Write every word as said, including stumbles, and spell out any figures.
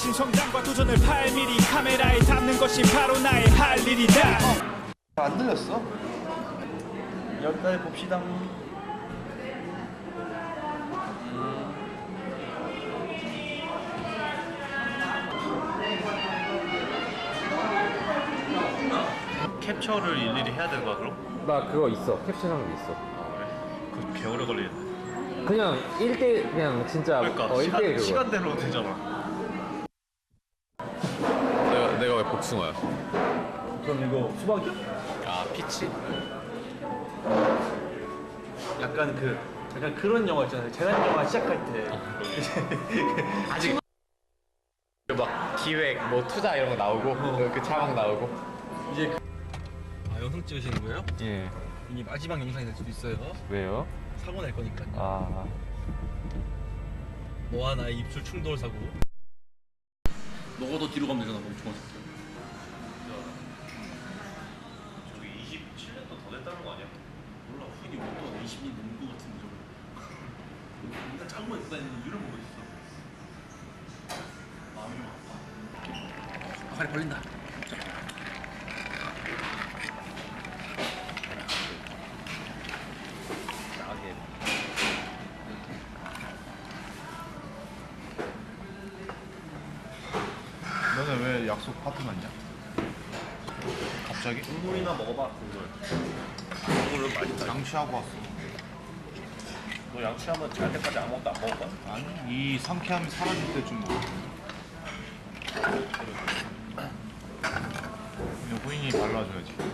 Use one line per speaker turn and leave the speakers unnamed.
거친 성장과 도전을 팔 미리 카메라에 담는 것이 바로 나의 할 일이다.
안 들렸어?
여기까지 봅시다. 캡처를 일일이 해야 되는 거야 그럼?
나 그거 있어. 캡처하는 게 있어.
아 그래? 그거 개 오래 걸리겠네.
그냥 일 대 그냥 진짜
그러니까
어,
시간,
일 대 일 그거.
시간대로 되잖아.
내가 내가 왜 복숭아야?
그럼 이거 수박이야?
아 피치?
약간 그 약간 그런 영화 있잖아요. 재난 영화 시작할 때
아직 막 기획 뭐 투자 이런 거 나오고
어.
그 자막 나오고.
이제 그... 아 영상 찍으시는 거예요?
예.
이게 마지막 영상이 될 수도 있어요.
왜요?
사고 날 거니까요.
아.
너와 나의 입술 충돌 사고. 너가 더 뒤로 가면 되잖아. 멍청한 새끼. 저기 이십칠 년도 더 됐다는 거 아니야? 몰라. 이게 뭐또 이십 년 넘은 거 같은데 저거. 일단 작은 거 있어. 이유를 모르겠어 마음이 좀 아파. 팔이 벌린다.
너네 왜 약속 파티 맞냐? 갑자기?
국물이나 먹어봐. 국물. 국물은 맛있다.
양치하고 왔어.
너 양치하면 잘 때까지 아무것도 안 먹을 거야?
아니, 이 상쾌함이 사라질 때쯤 먹어. 이거 후인이 발라줘야지.